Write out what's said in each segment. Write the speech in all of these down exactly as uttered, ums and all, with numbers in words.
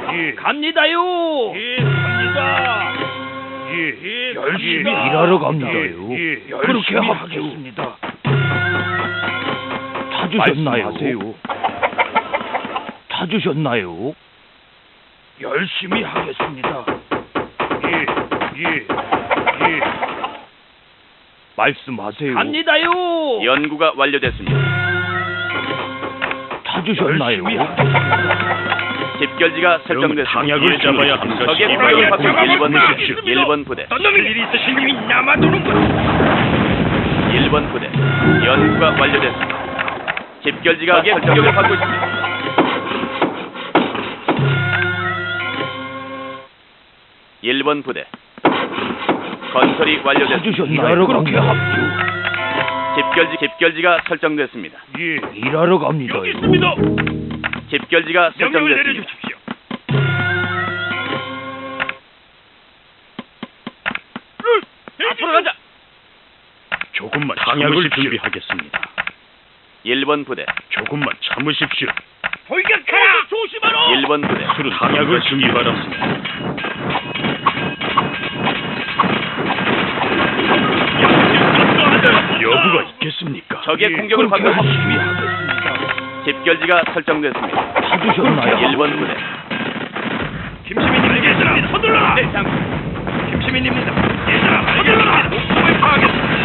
예. 갑니다요. 예, 갑니다. 예, 예, 열심히 갑니다. 일하러 갑니다요. 예, 예, 그렇게 열심히 합주. 하겠습니다. 찾으셨나요? 말씀하세요. 찾으셨나요? 열심히 하겠습니다. 예, 예, 예. 말씀하세요. 갑니다요. 연구가 완료됐습니다. 찾으셨나요? 열심히 하겠습니다. 집결지가 설정됐습니다. 방향을 잡아야 합니다. 적의 이 공격을 받고 방향을 일 번 잡아보십시오. 부대, 일 번 부대, 어떤 일이 있으신 님이 남아도는군. 일 번 부대. 연구가 완료됐습니다. 집결지가 적의 공격을 받고 있습니다. 일 번 부대. 건설이 완료됐습니다. 찾으셨나요? 그렇게 합주. 집결지 집결지가 설정됐습니다. 예, 일하러 갑니다요. 여기 있습니다. 집결지가 명령을 설정됐습니다. 내려주십시오. 앞으로 가자. 조금만 방향을 준비하겠습니다. 일 번 부대. 조금만 참으십시오. 돌격하라. 조심하라. 일 번 부대. 술은 방향을 준비 바랍니다. 여부가 있겠습니까? 적의 예, 공격을 받고 그렇게 있습니다. 열심히 하겠습니다. 집결지가 설정됐습니다. 찾으셨나요? 일 번 부대. 김시민님 얘들아 서둘러라. 네, 장. 김시민입니다. 얘들아 서둘러라. 목숨을 파하겠습니다.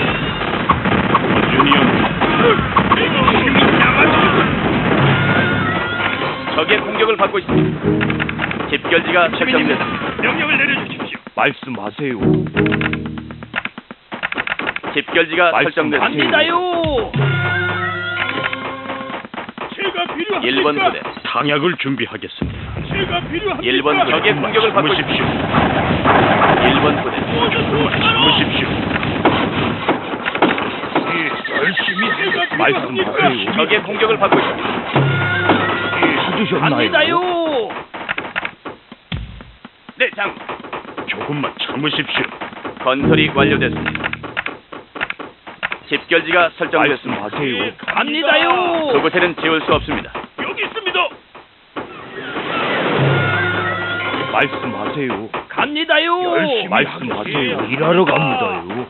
유니온 김시민 남아도는군. 적의 공격을 받고 있습니다. 집결지가 설정됐습니다. 명령을 내려주십시오. 말씀하세요. 집결지가 말씀 설정됐습니다. 갑니다요. 제가 필요합니까? 일 번 부대. 당약을 준비하겠습니다. 제가 필요합니까? 일 번 부대. 적의 공격을 받고 참으십시오. 있습니다. 일 번 부대. 참으십시오. 예, 열심히 하겠습니다. 말씀하세요. 적의 공격을 받고 있습니다. 찾으셨나요? 갑니다요. 네, 장. 조금만 참으십시오. 건설이 완료됐습니다. 집결지가 설정됐습니다. 말씀하세요. 갑니다요. 그곳에는 지울 수 없습니다. 여기 있습니다. 말씀하세요. 갑니다요. 열심히 말씀하세요. 하겠습니다. 일하러 갑니다요.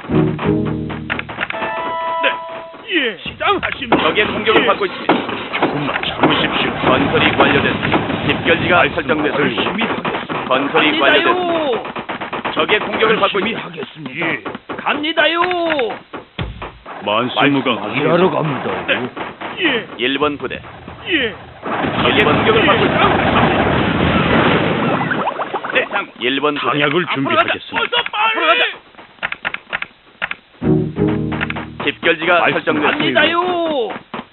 네, 예, 시장하십니다. 적의 공격을 받고 있습니다. 조금만 참으십시오. 건설이 완료됐습니다. 집결지가 설정됐습니다. 열심히 하겠습니다. 건설이 완료됐습니다. 적의 공격을 받고 열심히 있습니다. 하겠습니다. 예. 갑니다요. 만수무강 일하러 갑니다요. 예, 일 번 부대. 예. 적의 공격을 받고 있습니다. 네, 장. 일 번 부대. 당약을 앞으로 준비하겠습니다. 가자. 어서 빨리. 집결지가 설정됐습니다. 갑니다요.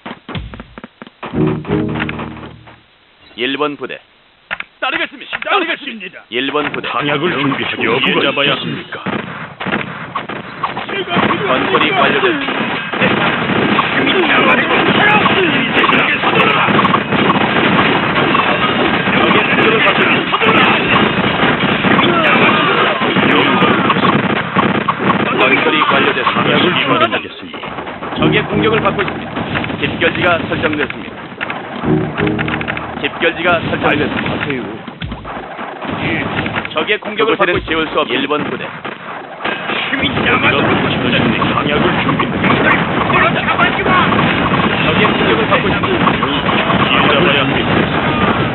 일 번 부대. 따르겠습니다. 따르겠습니다. 일 번 부대. 당약을 준비하고 여부가 잡아야 합니까? 제가 필요합니까? 건설이 완료됐습니다. 네, 장. 세상에 서둘러라. 적의 공격을 받고 있습니다. 건설이 완료됐습니다. 당약을 준비하겠습니다. 적의 공격을 받고 있습니다. 집결지가 설정됐습니다. 집결지가 설정됐습니다. 말씀하세요. 적의 공격을 받고 지울 수 없는 일 번 부대. 당약을 준비하겠습니다. 적의 공격을 받고 있습니다. 길 잡아야 합니다.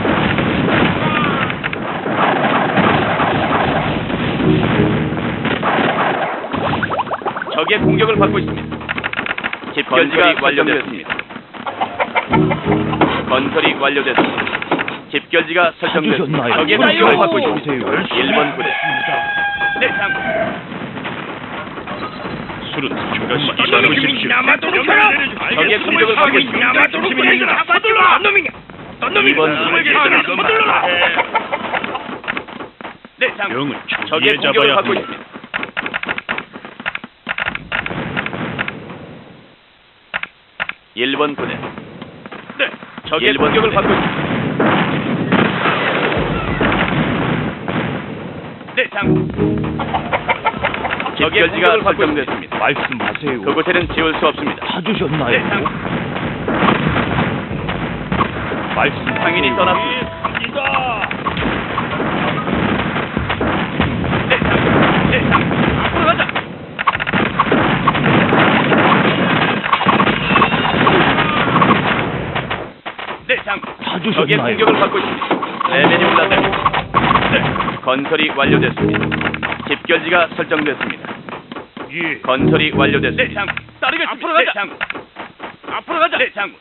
적의 공격을 받고 있습니다. 집결지가 완료됐습니다. 건설이 완료됐습니다. 집결지가 설정됐습니다. 찾으셨나요? 적의 그렇게 공격을 받고 말씀하세요. 있습니다. 일 번 부대. 네, 장. 술은 조금만 참으십시오. 적의 공격을 받고 있습니다. 이 번 부대. 네, 장. 명을 적의 조기에 공격을 잡아야 받고 합니다. 있습니다. 일 번 부대. 네, 적의 공격을 받고 있습니다. 네, 장. 집결지가 설정됐습니다. 말씀하세요. 그곳에는 지울 수 없습니다. 찾으셨나요? 네, 장. 말씀 상인이 떠났습니다. 갑니다. 적의 찾으셨나요? 공격을 받고 있습니다. 레벨이 올랐습니다. 네, 건설이 완료됐습니다. 집결지가 설정됐습니다. 예. 건설이 완료됐습니다. 네, 장군. 따르겠습니다. 앞으로 가자. 네, 장군. 앞으로 가자. 네, 장군.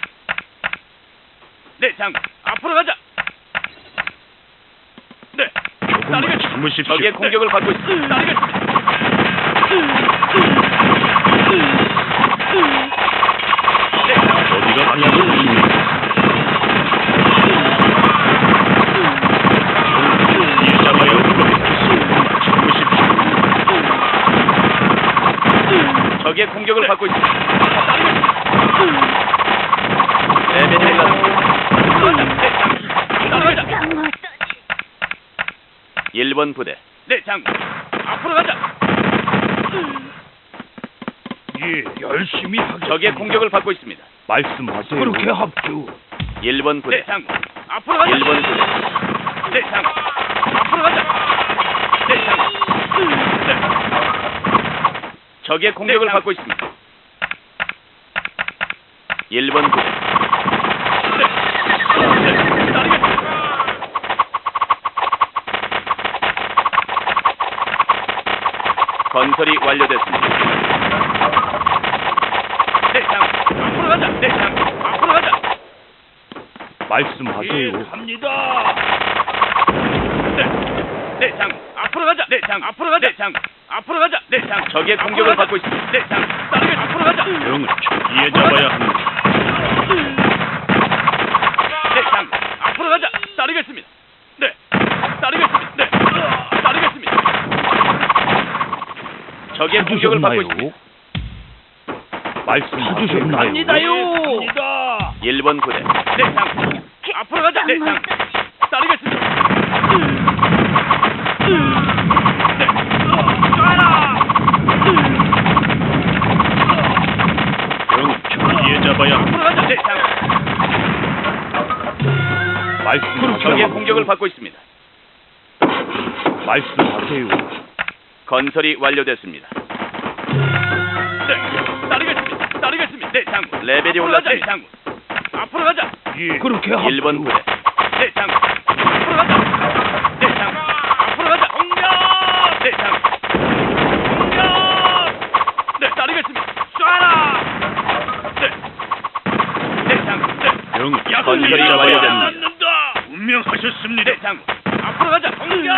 네, 장군. 앞으로 가자. 네. 조금만 따르겠습니다. 참으십시오. 적의 공격을 받고 있습니다. 따르겠습니다. 네, 장군. 어디가 방향을 줍니까? 이 잡아야 할 겁니다. 참으십시오. 적의 공격을 받고 있습니다. 따르겠습니다. 레벨이 올랐습니다. 네, 장군. 따라가자. 일 번 부대. 네, 장군. 앞으로 가자. 예, 열심히 하겠습니다. 적의 공격을 받고 있습니다. 말씀하세요. 그렇게 합주. 일 번 네, 부대. 장군. 앞으로 가자. 일 번 부대. 네, 장군. 앞으로 가자. 네, 장군. 네. 적의 공격을 네, 받고 있습니다. 일 번 부대. 네. 네. 따르겠습니다. 건설이 완료됐습니다. 네, 장군. 앞으로 가자. 네, 장군. 앞으로 가자. 말씀하세요. 갑니다. 네. 네, 장군. 앞으로 가자. 네, 장군. 앞으로 가자. 네, 장군. 앞으로 가자. 네, 장군. 적의 앞으로 공격을 가자. 받고 있습니다. 네, 장군. 따르겠습니다. 앞으로 가자. 병을 초기에 잡아야 합니다. 네, 장군. 앞으로 가자. 따르겠습니다. 네. 따르겠습니다. 네. 따르겠습니다. 적의 공격을 받고 있습니다. 말씀하셨나요? 갑니다. 일 번 부대. 네, 장군. 앞으로 가자. 네, 장군. 따르겠습니다. 네. 쏴라. 병을 초기에 잡아야 합니다. 앞으로 가자. 네, 장군. 말씀하세요. 적의 공격을 받고 있습니다. 말씀하세요. 건설이 완료됐습니다. 네. 따르겠습니다. 따르겠습니다. 네, 장군. 레벨이 앞으로 가자. 네, 올랐습니다. 장군. 앞으로 가자. 예, 그렇게 합주. 일 번 부대. 네, 장군. 앞으로 가자. 네, 장군. 앞으로 가자. 공격! 네, 장군. 공격! 네, 따르겠습니다. 쏴라! 네. 네, 장군. 네. 병을 건설이 초기에 잡아야 완료됩니다. 합니다. 분명하셨습니다. 네, 장군. 앞으로 가자. 공격!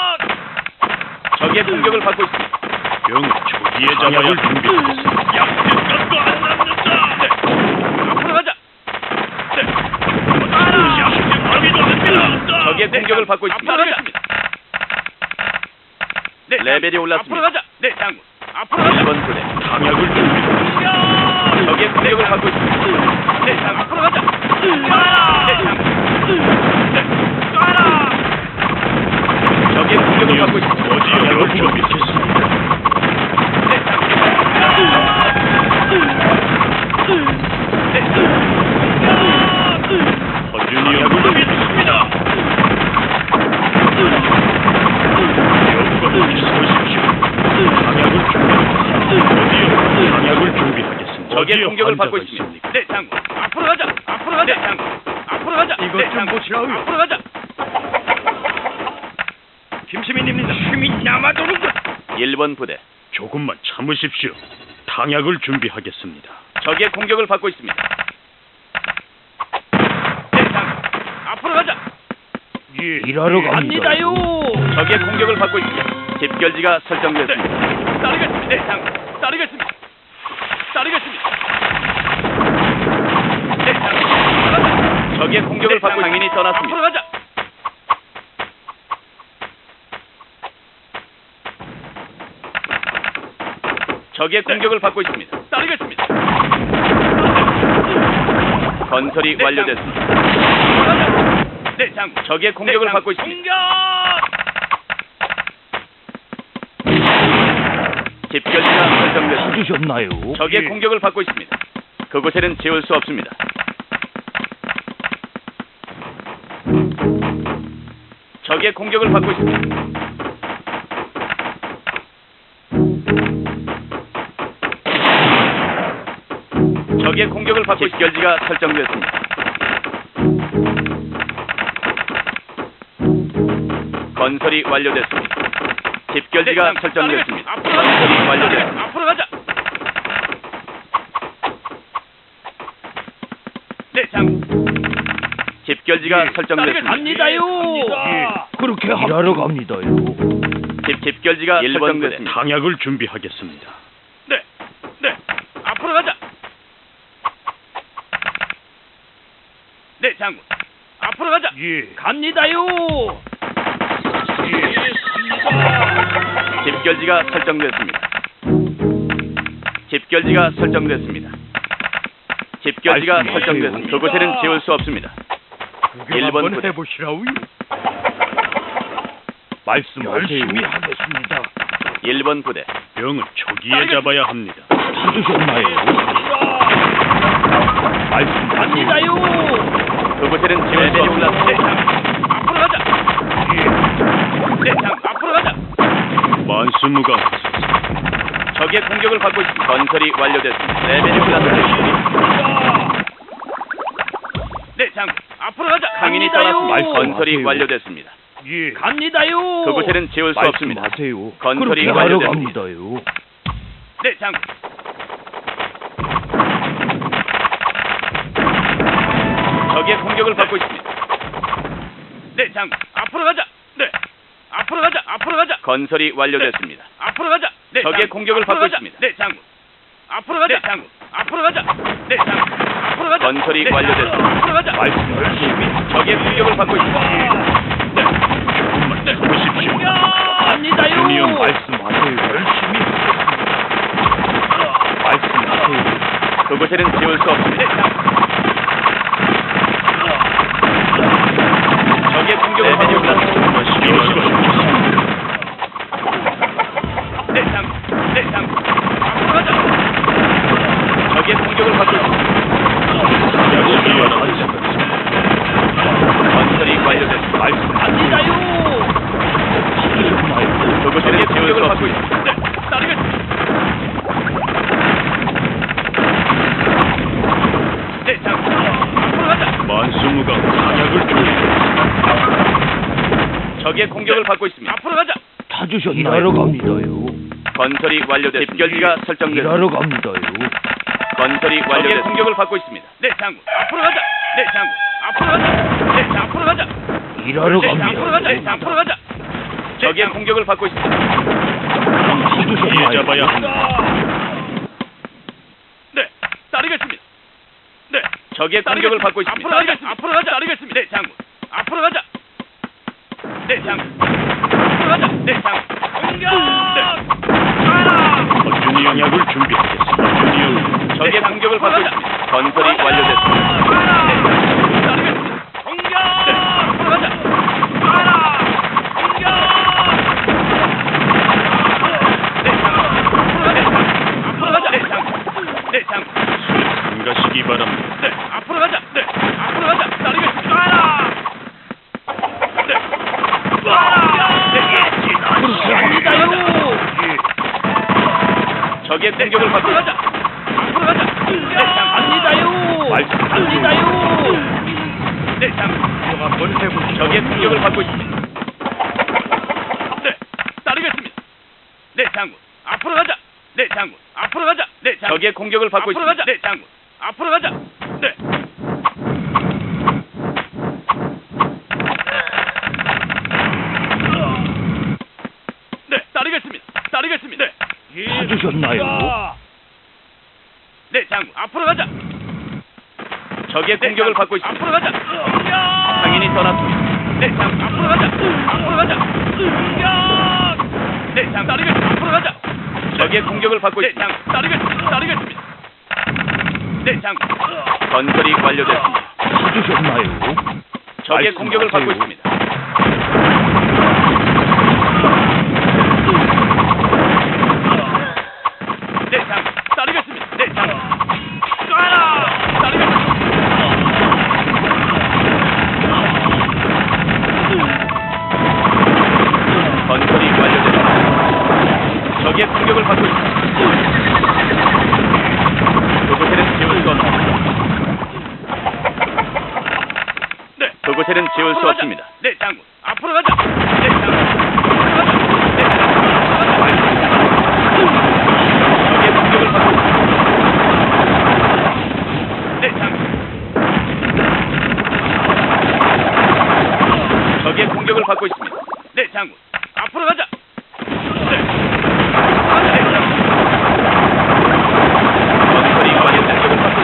적의 공격을 받고 있습니다. 병을 초기에 잡아야 방향을 준비하겠습니다. 약속도 안 남는다. 네. 앞으로 가자. 네. 쏴라! 약속하기도 합니다. 적의 공격을 받고 있습니다. 앞으로 가자. 네, 레벨이 장군. 올랐습니다. 앞으로 가자. 네, 장군. 앞으로 가자. 일 번 부대. 강약을 준비하겠습니다. 공격! 적의 공격을 받고 있습니다. 네, 장군. 앞으로 가자. 쏴라! 네, 장군. 네. 쏴라! 적의 공격을 받고 있습니다. 어디에 준비하겠습니다. 네, 장군. 네, 장군. 허준이 약속이 형을 있습니다. 여부가 어디 서십시오. 강약을 준비하겠습니다. 어디요? 강약을 준비하겠습니다. 적의 어디에 공격을 받고 환자가 있습니다. 네, 장군. 앞으로 가자. 앞으로 가자. 네, 장군. 앞으로 가자. 이것 네, 좀 장군. 보시라고요. 앞으로 가자. 김시민입니다. 힘이 남아도는군. 일 번 부대. 조금만 참으십시오. 강약을 준비하겠습니다. 적의 공격을 받고 있습니다. 네, 장군. 앞으로 가자. 예, 일하러 갑니다. 갑니다요. 적의 공격을 받고 있습니다. 집결지가 설정됐습니다. 네. 따르겠습니다. 네, 장군. 따르겠습니다. 따르겠습니다. 네, 장군. 적의 공격을 받고 당연히 앞으로 떠났습니다. 가자. 적의 공격을 받고 있습니다. 따르겠습니다. 건설이 네, 완료됐습니다. 앞으로 가자. 네, 장군. 적의 공격을 네, 받고 장군. 있습니다. 공격! 집결지가 설정됐습니다. 찾으셨나요? 적의 예. 공격을 받고 있습니다. 그곳에는 지울 수 없습니다. 적의 공격을 받고 있습니다. 적의 공격을 받고 집결지가 설정됐습니다. 건설이 완료됐습니다. 집결지가 네, 설정됐습니다. 앞으로 가자. 건설이 완료됐습니다. 앞으로 가자. 네, 장군. 집결지가 설정됐습니다. 갑니다요. 예, 그렇게 합. 일하러 갑니다요. 집, 집결지가 네, 일 번 설정됐습니다. 당약을 준비하겠습니다. 네, 네. 앞으로 가자. 네, 장군. 앞으로 가자. 예. 갑니다요. 집결지가 설정됐습니다. 집결지가 설정됐습니다. 집결지가 말씀하세요. 설정됐습니다. 그곳에는 지울 수 없습니다. 일 번 부대. 해보시라고요. 말씀하세요. 열심히 하겠습니다. 일 번 부대. 병은 초기에 잡아야 합니다. 찾으셨나요? 말씀하세요. 갑니다요. 그곳에는 지울 수 없습니다. 네, 장군. 앞으로 가자. 네, 장군. 앞으로 가자. 만수무강. 적의 공격을 받고 있습니다. 건설이 완료됐습니다. 레벨이 올랐습니다. 네, 장군. 앞으로 가자. 강인이 갑니다요. 떠났습니다. 건설이 말씀하세요. 완료됐습니다. 예. 갑니다요. 그곳에는 지울 수 없습니다. 말씀하세요. 건설이 그렇게 하러 완료됩니다. 갑니다요. 네, 장군. 적의 공격을 받고 있습니다. 네, 장군. 앞으로 가자. 네. 앞으로 가자. 앞으로 가자. 건설이 완료됐습니다. 앞으로 가자. 네, 적의 장군. 공격을 앞으로 받고 가자. 있습니다. 네, 장군. 앞으로 가자. 네, 장군. 앞으로 가자. 네, 장군. 앞으로 가자. 건설이 네, 완료됐습니다. 앞으로 가자. 말씀하세요. 적의 공격을 받고 있습니다. 조금만 참으십시오. 갑니다요. 주님 말씀하세요. 열심히 하겠습니다. 말씀하세요. 그곳에는 지울 수 없습니다. 네, 장군. 적의 공격을 받고 있습니다. 네, 장군. 네, 장군. 앞으로 가자. 적의 공격을 받고 있습니다. 건설이 완료됐습니다. 갑니다요. 그곳에는 지울 수 받고 없습니다. 있습니다. 네, 따르겠습니다. 네, 장군. 앞으로 가자. 만수무강. 당약을 준비하겠습니다. 적의 공격을 받고 있습니다. 앞으로 가자. 찾으셨나요? 일하러 갑니다요. 건설이 완료됐습니다. 집결지가 설정됐습니다. 일하러 갑니다요. 건설이 완료됐습니다. 적의 공격을 받고 있습니다. 네, 장군. 앞으로 가자. 네, 장군. 앞으로 가자. 네, 장, 앞으로 가자. 일하러 네, 장, 앞으로 가자. 네, 갑니다요. 장, 앞으로 가자. 적의 공격을 받고 있습니다. 초기에 잡아야 합니다. 네, 따르겠습니다. 네, 적의 공격을 받고 있습니다. 앞으로 가자. 앞으로 가자. 따르겠습니다. 네, 장군. 앞으로 가자. 네, 장군. 앞으로 가자. 네, 장군. 공격! 네. 허준이 영약을 준비하겠습니다. 준이 적의 공격을 받고 있습니다. 건설이 완료됐습니다. 네, 따르겠습니다. 공격! 네, 앞으로 가자. 공격! 네, 장군. 앞으로 가자. 네, 장군. 네, 장군. 참가시기 바랍니다. 네, 앞으로 가자. 네, 앞으로 가자. 따르겠습니다. 네. 그렇게 합니다요. 적의 공격을 받고 앞으로 가자. 앞으로 가자. 네, 장 갑니다요. 갑니다요. 네, 장. 한번 해보시죠. 적의 공격을 받고 있습니다. 네, 따르겠습니다. 네, 장군. 앞으로 가자. 네, 장군. 앞으로 가자. 네, 장군. 적의 공격을 받고 앞으로 있습니다. 가자. 네, 장군. 앞으로 가자. 네. 네, 따르겠습니다. 따르겠습니다. 네. 찾으셨나요? 네, 장군. 앞으로 가자. 적의 네, 공격을 장군. 받고 있습니다. 앞으로 가자. 공격! 상인이 떠났습니다. 네, 장군. 앞으로 가자. 앞으로 가자. 공격! 네, 장군. 따르겠습니다. 앞으로 가자. 적의 공격을 받고 네, 있습니다. 장군. 따르겠습니다. 따르겠습니다. 네, 장군. 건설이 완료됐습니다. 찾으셨나요? 적의 공격을 받고 말씀하세요. 있습니다. 네, 장군. 따르겠습니다. 네, 장군. 쏴라! 따르겠습니다. 건설이 완료됐습니다. 적의 공격을 받고 있습니다. 그곳에는 지울 수 없습니다. 네. 그곳에는 상태는 지울 수 앞으로 가자. 없습니다. 네, 장군. 앞으로 가자. 네, 장군. 앞으로 가자. 네, 적의 공격을 받고 있습니다. 네, 장군. 적의 공격을 받고 있습니다. 네, 장군. 앞으로 가자. 네. 네, 장군. 건설이 완료 공격을 받고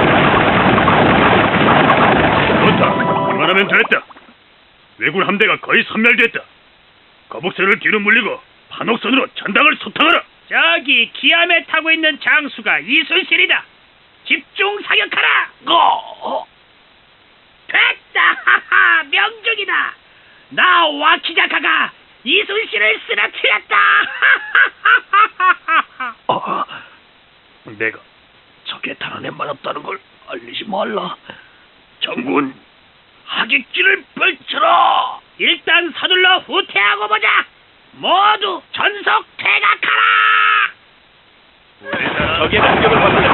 있습니다. 좋다. 이만하면 됐다. 왜군 함대가 거의 섬멸됐다. 거북선을 뒤로 물리고 판옥선으로 전당을 소탕하라. 저기 기암에 타고 있는 장수가 이순실이다. 집중 사격하라. 고! 됐다. 하하, 명중이다. 나 와키자카가 이순실을 쓰러뜨렸다. 아, 내가 적의 탄환에 맞았다는 걸 알리지 말라. 장군, 하객지를 펼쳐라. 일단 서둘러 후퇴하고 보자. 모두 전속 퇴각하라. 적의 공격을 받고 있습니다.